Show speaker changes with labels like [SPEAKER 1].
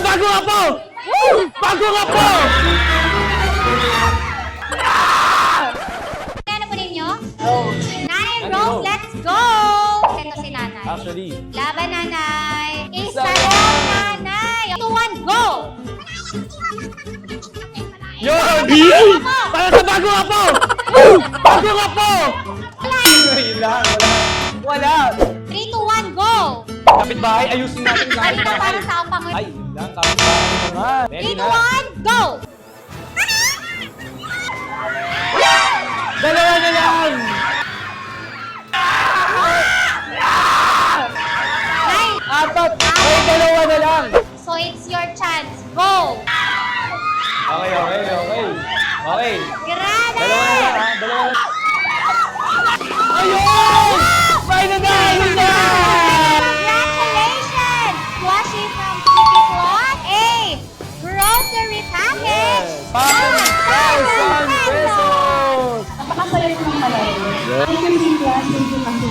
[SPEAKER 1] bago nga po! Bago nga po!
[SPEAKER 2] Ano po ninyo?
[SPEAKER 1] Rose.
[SPEAKER 2] Nanay
[SPEAKER 1] Nanay
[SPEAKER 2] Rose,
[SPEAKER 1] Rose.
[SPEAKER 2] let's go! Ito si nanay.
[SPEAKER 1] Actually.
[SPEAKER 2] Laban, nanay. Isa
[SPEAKER 1] Isa
[SPEAKER 2] lang, nanay. 2, 1, go!
[SPEAKER 1] Yun! Para sa bago nga po! Bago nga po! Wala. Wala.
[SPEAKER 2] 3, 2, 1, go!
[SPEAKER 1] Kapitbahay, ayusin natin sa
[SPEAKER 2] Ay, ito para sa upang.
[SPEAKER 1] Ay, lang, kapitbahay naman.
[SPEAKER 2] 3, 2, 1, go!
[SPEAKER 1] Dalawa na lang!
[SPEAKER 2] Nine.
[SPEAKER 1] Apat! May dalawa na lang!
[SPEAKER 2] So it's your chance. Go!
[SPEAKER 1] Okay. Okay.
[SPEAKER 2] Grabe!
[SPEAKER 1] Dalawa na lang, ha? Dalawa na lang. Ayun! Final na! Ayun na!
[SPEAKER 2] Congratulations! Washi from City Cloth. A. Grocery package.
[SPEAKER 1] 5,000 pesos!
[SPEAKER 3] Napakasaya ko ng panahon. Thank you, Cynthia. Thank you, Ma'am